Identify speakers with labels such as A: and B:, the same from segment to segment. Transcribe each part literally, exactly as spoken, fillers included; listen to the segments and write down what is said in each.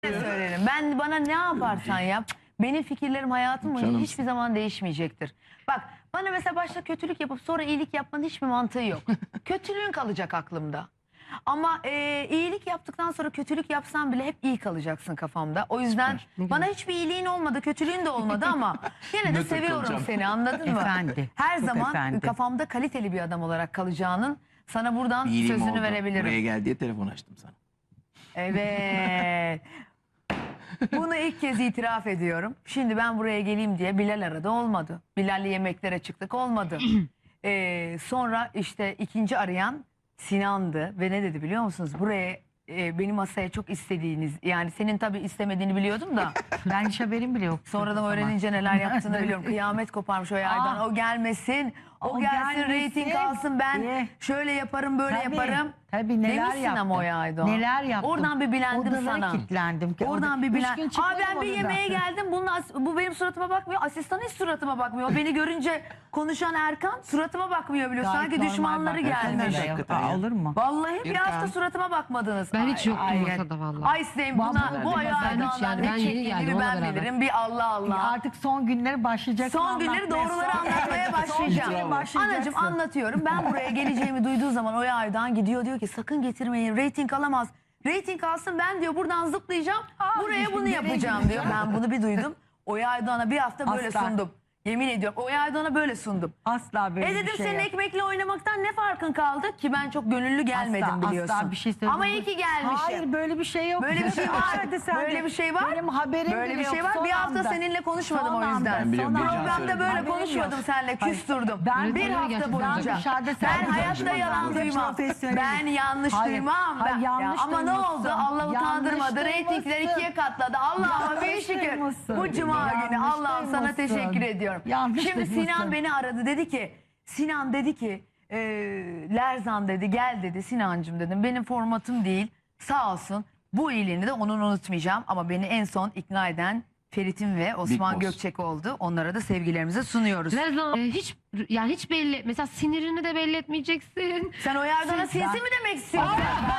A: söylerim. Ben bana ne yaparsan yap, benim fikirlerim hayatım boyunca
B: Canım.
A: hiçbir zaman değişmeyecektir. Bak bana mesela başta kötülük yapıp sonra iyilik yapmanın hiçbir mantığı yok. Kötülüğün kalacak aklımda. Ama e, iyilik yaptıktan sonra kötülük yapsan bile hep iyi kalacaksın kafamda. O yüzden bana hiçbir iyiliğin olmadı, kötülüğün de olmadı ama yine de
B: Nötr
A: seviyorum
B: kalacağım.
A: seni, anladın mı?
C: Efendi,
A: Her
C: çok
A: zaman
C: efendi.
A: kafamda kaliteli bir adam olarak kalacağının sana buradan
B: İyiliğim
A: sözünü
B: oldu.
A: verebilirim.
B: Buraya gel diye telefon açtım sana.
A: Evet. Bunu ilk kez itiraf ediyorum. Şimdi ben buraya geleyim diye Bilal aradı, olmadı. Bilal'le yemeklere çıktık, olmadı. Ee, sonra işte ikinci arayan Sinan'dı ve ne dedi biliyor musunuz? Buraya e, benim masaya çok istediğiniz, yani senin tabii istemediğini biliyordum da
C: Ben hiç haberim bile yok.
A: sonradan öğrenince neler yaptığını biliyorum. Kıyamet koparmış o yaydan.
C: Aa.
A: O gelmesin. O,
C: O
A: gelsin,
C: gelmesin.
A: reyting alsın, ben
C: Eh.
A: şöyle yaparım, böyle
C: Tabii,
A: yaparım.
C: tabii, neler
A: Demişsin
C: yaptım.
A: ama o Aydoğan.
C: Neler yaptım.
A: Oradan bir bilendim
C: Odalara
A: sana.
C: kilitlendim.
A: Oradan bir
C: Üç
A: bilen.
C: gün
A: Aa
C: çıkmadım
A: ben bir
C: odadan.
A: yemeğe geldim. Bunun as- bu benim suratıma bakmıyor. Asistan hiç suratıma bakmıyor. Beni görünce konuşan Erkan suratıma bakmıyor biliyor.
C: Gayet
A: Sanki
C: normal
A: düşmanları
C: bak.
A: gelmiş.
C: Erkan da
B: Hakikaten
C: yok. Aa,
B: ya.
C: olur mu?
A: Vallahi bir
B: Erkan.
A: hafta suratıma bakmadınız.
D: Ben hiç yoktum
C: ay,
D: masada vallahi.
A: Ay Sevim buna
C: Vallahi
A: bu
C: ben
A: ayağı
D: hiç yani, ben yeni geldim,
A: ben
D: onunla beraber.
A: bilirim. Bir Allah Allah.
C: Artık son günleri başlayacak.
A: Son günleri doğruları anlatmaya başlayacağım.
B: Bravo.
A: Anacığım anlatıyorum. Ben buraya geleceğimi duyduğu zaman Oya Aydoğan gidiyor, diyor ki sakın getirmeyin. Reyting alamaz. Reyting alsın, ben diyor buradan zıplayacağım. Buraya bunu yapacağım diyor. Ben bunu bir duydum. Oya Aydoğan'a bir hafta böyle
C: Asla.
A: sundum. Yemin ediyorum Oya Aydoğan'a böyle sundum.
C: Asla böyle
A: E
C: bir
A: dedim
C: şey
A: senin
C: yok.
A: ekmekle oynamaktan ne farkın kaldı ki, ben çok gönüllü gelmedim
C: Asla,
A: biliyorsun.
C: asla bir şey söylemedim.
A: Ama iyi ki gelmişim.
C: Hayır böyle bir şey yok.
A: Böyle bir şey var.
C: Hadi sen
A: Böyle
C: de.
A: bir şey var.
C: Benim haberim
A: Böyle
C: bile
A: bir şey
C: yok.
A: var.
C: Son
A: Bir hafta
C: anda.
A: seninle konuşmadım
C: Son
A: o
C: anda,
A: yüzden.
B: Ben biliyorum,
C: son
B: bir
C: anda.
B: can
A: Programda
B: söyledim.
A: böyle
C: Haberim
A: konuşmadım
C: yok.
A: seninle,
C: Hayır.
A: küstürdüm.
C: Ben
A: bir
D: Böyle
A: hafta
D: gerçekten
A: boyunca.
C: ben dışarıda
A: Ben
C: sen-
A: hayatta
B: Ben
A: yalan
C: de
A: duymam.
C: profesyonelim.
A: Ben yanlış
C: Hayır,
A: duymam.
C: hayır,
A: Ben-
C: yanlış
A: Ya ama ne
C: duymuşsun.
A: oldu? Allah
C: Yanlış
A: utandırmadı. Reytingler
C: duymuşsun.
A: ikiye katladı. Allah'ıma bin
C: Yanlış
A: şükür.
C: duymuşsun.
A: Bu cuma
C: Yanlış
A: günü Allah'ım sana
C: duymuşsun.
A: teşekkür ediyorum.
C: Yanlış
A: Şimdi
C: duymuşsun.
A: Sinan beni aradı, dedi ki Sinan dedi ki e, Lerzan dedi gel dedi. Sinancığım dedim, benim formatım değil, sağ olsun. Bu iyiliğini de onun unutmayacağım ama beni en son ikna eden Ferit'in ve Osman
B: Boss.
A: Gökçek oldu. Onlara da sevgilerimizi sunuyoruz.
D: Lerzan, e, hiç yani hiç belli, mesela sinirini de belli etmeyeceksin.
A: Sen o Yardan'a sinsi mi demek istiyorsun?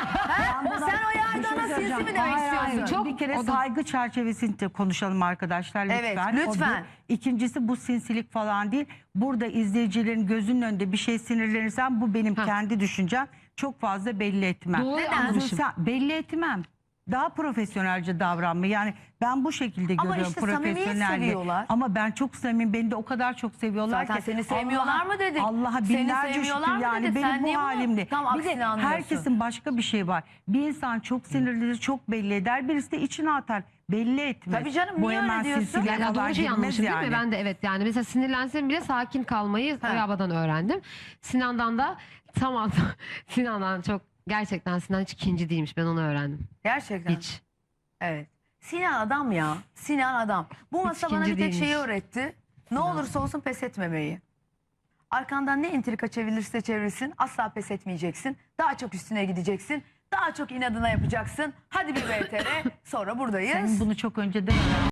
A: Ha? Sen o Yardan'a sinsi mi demek
C: Hayır, hayır.
A: istiyorsun?
D: Çok-
C: bir kere
D: o da-
C: saygı çerçevesinde konuşalım arkadaşlar lütfen.
A: Evet,
C: O bir.
A: lütfen.
C: İkincisi bu sinsilik falan değil. Burada izleyicilerin gözünün önünde bir şey sinirlenirsen bu benim
D: Ha.
C: kendi düşüncem. Çok fazla belli etmem.
D: Doğru
A: Neden?
D: anlamışım.
C: Sen- belli etmem. Daha profesyonelce davranma. Yani ben bu şekilde
A: Ama
C: görüyorum
A: işte samimiyet
C: profesyonelliği.
A: seviyorlar.
C: Ama ben çok samimi. Beni de o kadar çok seviyorlar
A: Zaten
C: ki.
A: seni sevmiyorlar
C: Allah'a-
A: mı dedik?
C: Allah'a
A: Seni
C: binlerce
A: sevmiyorlar
C: şükür
A: mı
C: yani
A: dedik? Sen
C: benim
A: niye
C: bu
A: bunu
C: halimde.
A: tam
C: Bir de
A: aksini anlıyorsun?
C: herkesin başka bir şey var. Bir insan çok sinirlidir, çok belli eder. Birisi de içine atar. Belli etmez.
A: Tabii canım,
C: Bu
A: niye öyle
C: hemen
A: diyorsun?
C: sinsiliğe
D: Ya, ya
C: kadar
D: doğru şey
C: girmez
D: anlamışım değil
C: yani.
D: mi? Ben de evet, yani mesela sinirlensem bile sakin kalmayı
A: Ha.
D: Oyaba'dan öğrendim. Sinan'dan da tam anda Sinan'dan çok, gerçekten Sinan hiç ikinci değilmiş, ben onu öğrendim.
A: Gerçekten.
D: Hiç.
A: Evet. Sinan adam ya. Sinan adam. Bu masa bana bir
D: ikinci
A: tek şeyi
D: değilmiş.
A: öğretti. Ne olursa olsun pes etmemeyi. Arkandan ne entrika çevilirse çevirsin asla pes etmeyeceksin. Daha çok üstüne gideceksin. Daha çok inadına yapacaksın. Hadi bir V T R, sonra buradayız.
C: Senin bunu çok önceden